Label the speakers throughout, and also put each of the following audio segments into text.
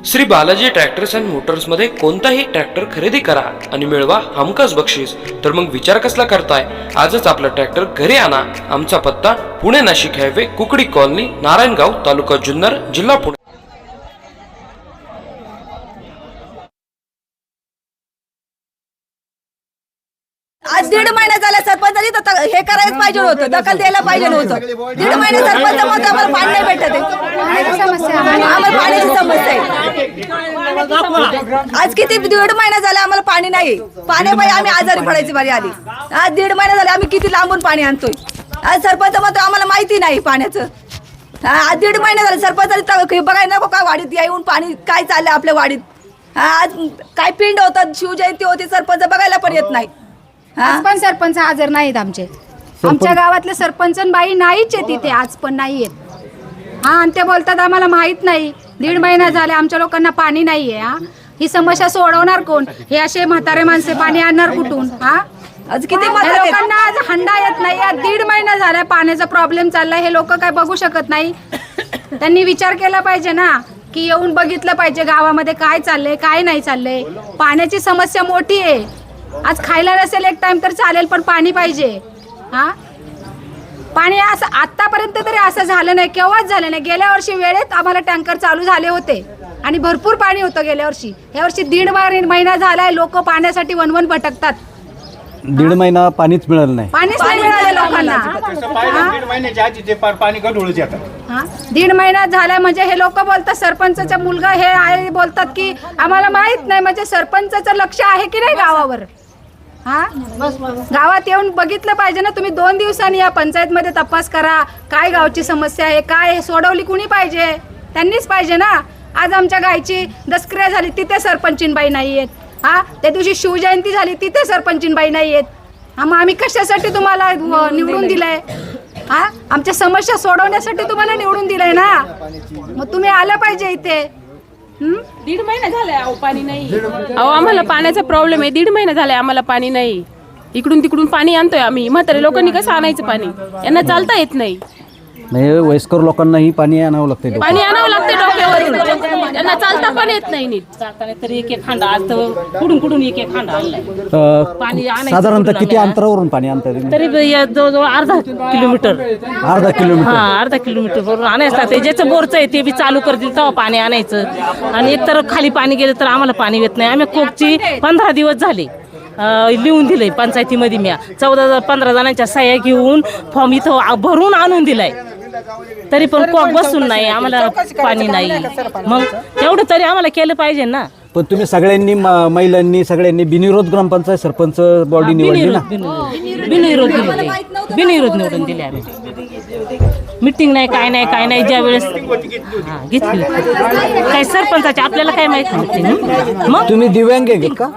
Speaker 1: Shri Balaji tractors and मोटर्समध्ये कोणताही tractor खरेदी करा आणि मिळवा हमखास बक्षीस. तर मग विचार कसला करताय? आजच आपला ट्रॅक्टर घरी आणा. आमचा पत्ता पुणे नाशिक हायवे, कुकडी कॉलनी, नारायणगाव, तालुका जुन्नर, जिल्हा पुणे.
Speaker 2: आज 1.5 महिना झाला सरपंचानी तर हे करायला पाहिजे होतं, दखल द्यायला पाहिजे होतं. 1.5 महिने सरपंच म्हणतो आम्हाला पाणी नाही भेटत आहे. आम्हाला पाण्याची समस्या आहे. आज किती 1.5 महिना झाला आम्हाला पाणी नाही. पाण्यामुळे आम्ही आजारी पडायची बारी आली. आज 1.5 महिना झाला आम्ही किती लांबून पाणी आणतोय. आज सरपंच म्हणतो आम्हाला माहिती नाही पाण्याचं. आज 1.5 महिना झाला सरपंचानी बघायला नको का वाडीत येऊन पाणी काय चाललंय आपल्या वाडीत. आज काय पिंड होतात, शिवजयंती होती, सरपंच बघायला पण येत नाही.
Speaker 3: आज पण सरपंच हजर नाहीत आमच्या गावातले सरपंच बाई नाहीच आहे तिथे, आज पण नाही आहेत. हा, आणि ते बोलतात आम्हाला माहित नाही. 1.5 महिना झाले आमच्या लोकांना पाणी नाहीये. हा, ही समस्या सोडवणार कोण? हे असे म्हातारे माणसे पाणी आणणार कुठून? हा,
Speaker 2: आज किती
Speaker 3: लोकांना आज हंडा येत नाही. 1.5 महिना झाला पाण्याचा प्रॉब्लेम चाललाय. हे लोक काय बघू शकत नाही? त्यांनी विचार केला पाहिजे ना, की येऊन बघितलं पाहिजे गावामध्ये काय चाललंय काय नाही चाललंय. पाण्याची समस्या मोठी आहे. आज खायला नसेल एक टाइम तर चालेल, पण पाणी पाहिजे. हा, पाणी असं आतापर्यंत तरी असं झालं नाही, केव्हाच झालं नाही. गेल्या वर्षी वेळेत आम्हाला टँकर चालू झाले होते आणि भरपूर पाणी होतं गेल्या वर्षी. या वर्षी 1.5 महिना झालाय लोक पाण्यासाठी वनवन भटकतात.
Speaker 4: 1.5 महिना पाणीच मिळालं नाही.
Speaker 3: पाणीच नाही मिळालं लोकांना. 1.5 महिना झालाय म्हणजे हे लोक बोलतात, सरपंचाचा मुलगा हे आहे बोलतात की आम्हाला माहित नाही. म्हणजे सरपंचाचं लक्ष आहे की नाही गावावर? हा, गावात येऊन बघितलं पाहिजे ना. तुम्ही 2 दिवसांनी या पंचायत मध्ये तपास करा. काय गावची समस्या आहे, काय सोडवली कुणी पाहिजे? त्यांनीच पाहिजे ना. आज आमच्या गायची दसक्रिया झाली, तिथे सरपंचीनबाई नाही आहेत. हा, त्या दिवशी शिवजयंती झाली, तिथे सरपंचीनबाई नाही आहेत. हा, मग आम्ही कशासाठी तुम्हाला निवडून दिलंय? हा, आमच्या समस्या सोडवण्यासाठी तुम्हाला निवडून दिलंय ना. मग तुम्ही आलं पाहिजे इथे.
Speaker 5: 1.5 महिना झालाय अहो पाणी नाही. अहो आम्हाला पाण्याचा प्रॉब्लेम आहे. 1.5 महिना झालाय आम्हाला पाणी नाही. इकडून तिकडून पाणी आणतोय आम्ही. म्हातारे लोकांनी कसं आणायचं पाणी? यांना चालता येत नाही.
Speaker 4: म्हणजे वयस्कर लोकांनाही पाणी आणावं लागतं.
Speaker 5: पाणी आणावं लागतं डोक्यावरून. त्यांना चालता पण येत नाही नीट. चालताना तरी एक हांडा, आज तर कुठून एक हांडा आणलाय. पाणी
Speaker 4: साधारणतः किती अंतरावरून पाणी आणतात?
Speaker 5: तरी जवळजवळ अर्धा किलोमीटर.
Speaker 4: अर्धा किलोमीटर?
Speaker 5: हा, अर्धा किलोमीटर वरून आणायचं लागतं. ज्याचं बोरचं आहे ते बी चालू करतील तेव्हा पाणी आणायचं. आणि एकतर खाली पाणी गेलं तर आम्हाला पाणी येत नाही. आम्ही कोकची 15 दिवस झाले लिहून दिलंय पंचायतीमध्ये. मी 14-15 जणांच्या सह्या घेऊन फॉर्म इथं भरून आणून दिलाय. तरी पण कोक बसून नाही, आम्हाला पाणी नाही. मग तेवढं तरी आम्हाला केलं पाहिजे ना.
Speaker 4: पण तुम्ही सगळ्यांनी महिलांनी सगळ्यांनी बिनविरोध ग्रामपंचायत सरपंच बॉडी निवडली ना?
Speaker 5: बिनविरोध निवडून दिले आम्ही. मीटिंग नाही, काय नाही. ज्या वेळेस घेतली काय सरपंचाची आपल्याला काय माहित नाही. मग
Speaker 4: तुम्ही दिव्यांग आहे का?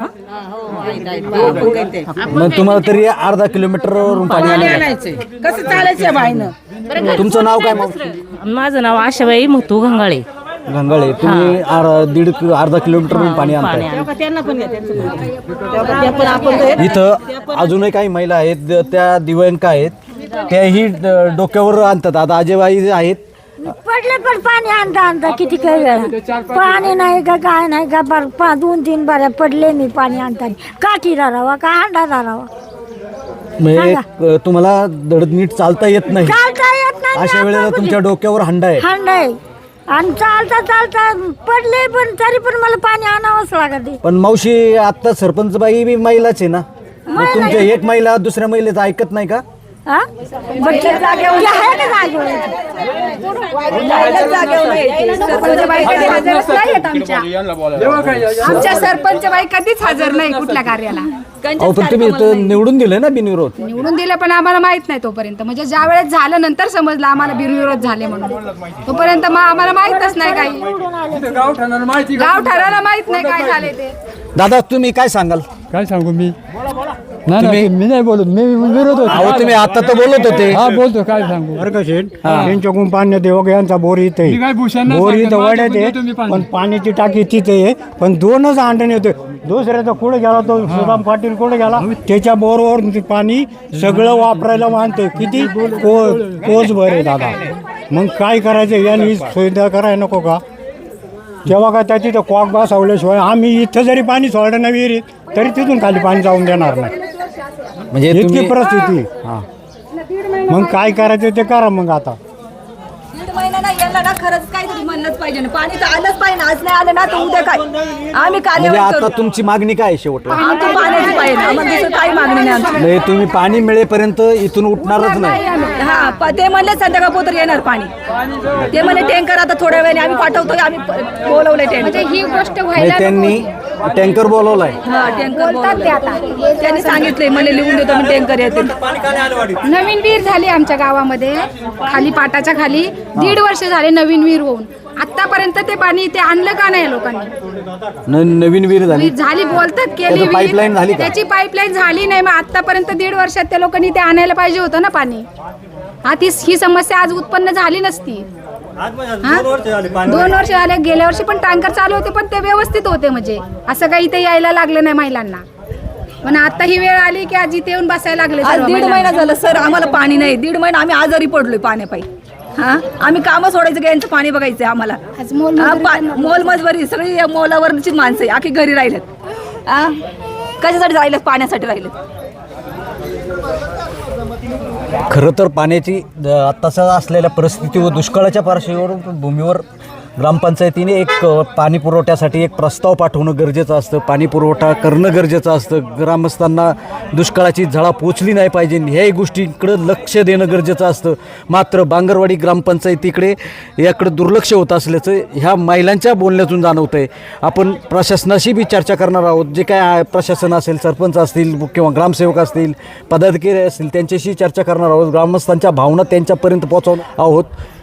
Speaker 4: मग तुम्हाला तरी अर्धा किलोमीटरवरून पाणी आणायचं
Speaker 2: कसं चालायचं बाईनं?
Speaker 4: तुमचं नाव काय? मग
Speaker 5: माझं नाव आशाबाई मुतू घंगाळे.
Speaker 4: घंगाळे. तुम्ही अर्धा किलोमीटरवरून पाणी आणताय. इथं अजूनही काही महिला आहेत त्या दिव्यांग आहेत, त्याही डोक्यावर आणतात. आता अजयबाई आहेत,
Speaker 6: पडले पण पाणी आणता किती काही वेळा पाणी नाही का काय नाही का 2-3 बाऱ्या पडले मी पाणी आणताना. काठी राहावा का हांडा राहावा?
Speaker 4: म्हणजे तुम्हाला धड नीट चालता येत नाही.
Speaker 6: चालता येत नाही.
Speaker 4: अशा वेळेला तुमच्या डोक्यावर हांडा आहे.
Speaker 6: हांडा आहे आणि चालता पडले पण तरी पण मला पाणी आणावंच लागत.
Speaker 4: पण मावशी, आता सरपंच बाई बी महिलाच आहे ना. मग तुमच्या एक महिला दुसऱ्या महिलेचं ऐकत नाही का?
Speaker 3: आमच्या सरपंच बाई कधीच हजर नाही कुठल्या कार्याला.
Speaker 4: पण तुम्ही निवडून दिलं ना बिनविरोध?
Speaker 3: निवडून दिलं पण आम्हाला माहित नाही तोपर्यंत. म्हणजे ज्या वेळेस झालं नंतर समजलं आम्हाला बिनविरोध झाले म्हणून. तोपर्यंत मग आम्हाला माहितच नाही काही. गाव ठराला माहित नाही काय झाले ते.
Speaker 4: दादा, तुम्ही काय सांगाल?
Speaker 7: काय सांगू मी? नाही, मी नाही बोलत. मी विरोध होतो.
Speaker 4: तुम्ही आता तर बोलत होते.
Speaker 7: हा, बोलतो. काय सांगू?
Speaker 8: बरं का शेठ, त्यांच्याकडून पाणी देवग यांचा बोर इथे बोर इथं वाड्यात आहे, पण पाण्याची टाकी तिथे आहे. पण 2च अंडण येते. दुसऱ्याचा कुठे गेला तो सुदाम पाटील कुठे गेला, त्याच्या बोरवर पाणी सगळं वापरायला मानते. किती कोस भर आहे दादा. मग काय करायचं? यांनी सुविधा करायला नको का? तेव्हा काय त्या तिथं कॉक बसवल्याशिवाय आम्ही इथं जरी पाणी सोडलं नाही विहिरीत तरी तिथून खाली पाणी जाऊन देणार नाही,
Speaker 4: म्हणजे
Speaker 8: इतकी
Speaker 4: तुम्ही
Speaker 8: परिस्थिती. हां, मग काय करायचं ते करा मग आता.
Speaker 2: दीड महिना नाही याला ना खरंच काहीतरी म्हणलंच पाहिजे ना, पाणी तर आलंच पाहिजे. आज नाही आलं ना तर उद्या काय आम्ही
Speaker 4: म्हणजे
Speaker 2: कार्यवाही
Speaker 4: आता
Speaker 2: करू.
Speaker 4: तुमची मागणी काय आहे शेवटला?
Speaker 2: आमचं पाण्याची पाहिजे, आम्हाला दुसरं काही मागणी नाही आमची.
Speaker 4: म्हणजे तुम्ही पाणी मिळेपर्यंत इथून उठणारच नाही.
Speaker 2: हा ते म्हणले संध्याकाळ पोतर येणार पाणी. ते म्हणले टँकर आता थोड्या वेळाने आम्ही पाठवतोय, आम्ही बोलवलंय
Speaker 3: म्हणजे
Speaker 2: टँकर.
Speaker 3: ही गोष्ट
Speaker 4: म्हणजे
Speaker 3: व्हायला
Speaker 4: त्यांनी टँकर बोलवलाय.
Speaker 2: हा टँकर
Speaker 3: बोलतात ते आता.
Speaker 2: त्यांनी सांगितलंय मला लिहून देतो मी टँकर येते.
Speaker 3: नवीन विहीर झाली आमच्या गावामध्ये, खाली पाटाच्या खाली 1.5 वर्ष झाले नवीन विहीर होऊन. आतापर्यंत ते पाणी ते आणलं का नाही लोकांनी?
Speaker 4: नवीन विहीर झाली.
Speaker 3: विहीर झाली बोलतात केली
Speaker 4: त्याचं pipeline झाली का?
Speaker 3: त्याची पाईपलाईन झाली नाही. मग आतापर्यंत 1.5 वर्षात त्या लोकांनी ते आणायला पाहिजे होतं ना पाणी. ही समस्या आज उत्पन्न झाली नसती. 2 वर्ष झाले. गेल्या वर्षी पण टँकर चालू होते पण ते व्यवस्थित होते, म्हणजे असं काही इथे यायला लागलं नाही महिलांना. पण आता ही वेळ आली की आज इथे येऊन बसायला लागले
Speaker 2: आज
Speaker 3: सर्व
Speaker 2: 1.5
Speaker 3: महिला.
Speaker 2: महिना झालं सर आम्हाला पाणी नाही. 1.5 महिना आम्ही आजारी पडलोय पाण्यापायी. हा आम्ही कामं सोडायचं यांचं पाणी बघायचंय आम्हाला.
Speaker 3: आज मोलमजुरी
Speaker 2: मोलमजवरी सगळी मोलावरची माणसं आहे, आखी घरी राहिलेत. हा कशासाठी राहिलेत? पाण्यासाठी राहिलेत.
Speaker 4: खरं तर पाण्याची आत्ताच्या असलेल्या परिस्थिती व दुष्काळाच्या पार्श्वभूमीवर ग्रामपंचायतीने एक पाणी पुरवठ्यासाठी एक प्रस्ताव पाठवणं गरजेचं असतं. पाणी पुरवठा करणं गरजेचं असतं. ग्रामस्थांना दुष्काळाची झळा पोचली नाही पाहिजे ह्याही गोष्टीकडं लक्ष देणं गरजेचं असतं. मात्र बांगरवाडी ग्रामपंचायतीकडे याकडं दुर्लक्ष होत असल्याचं ह्या महिलांच्या बोलण्यातून जाणवतं आहे. आपण प्रशासनाशी बी चर्चा करणार आहोत. जे काय प्रशासन असेल, सरपंच असतील किंवा ग्रामसेवक असतील, पदाधिकारी असतील, त्यांच्याशी चर्चा करणार आहोत. ग्रामस्थांच्या भावना त्यांच्यापर्यंत पोहोचवणार आहोत.